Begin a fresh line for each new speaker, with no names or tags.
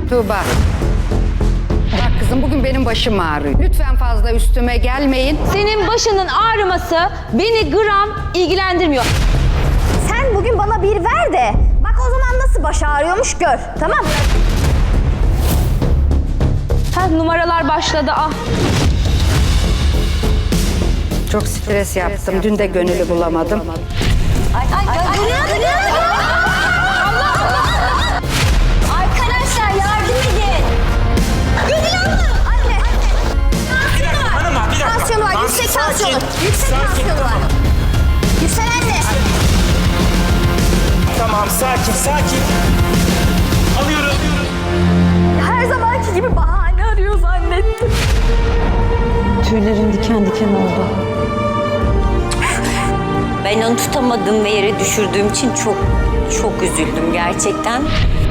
Tuğba. Bak kızım, bugün benim başım ağrıyor. Lütfen fazla üstüme gelmeyin.
Senin başının ağrıması beni gram ilgilendirmiyor.
Sen bugün bana bir ver de bak o zaman nasıl baş ağrıyormuş gör. Tamam.
Ha, numaralar başladı ah.
Çok stres yaptım. Dün de gönüllü bulamadım.
Arkadaşlar yardım edin. Gönül Hanım. Anne. Tansiyonu var. Yüksek tansiyonu. Yüksek tansiyonu var. Yüksel anne.
Tamam, sakin. Alıyorum.
Her zamanki gibi bahane arıyor zannettim.
Tüylerim diken diken oldu.
Ben onu tutamadım ve yere düşürdüğüm için çok üzüldüm gerçekten.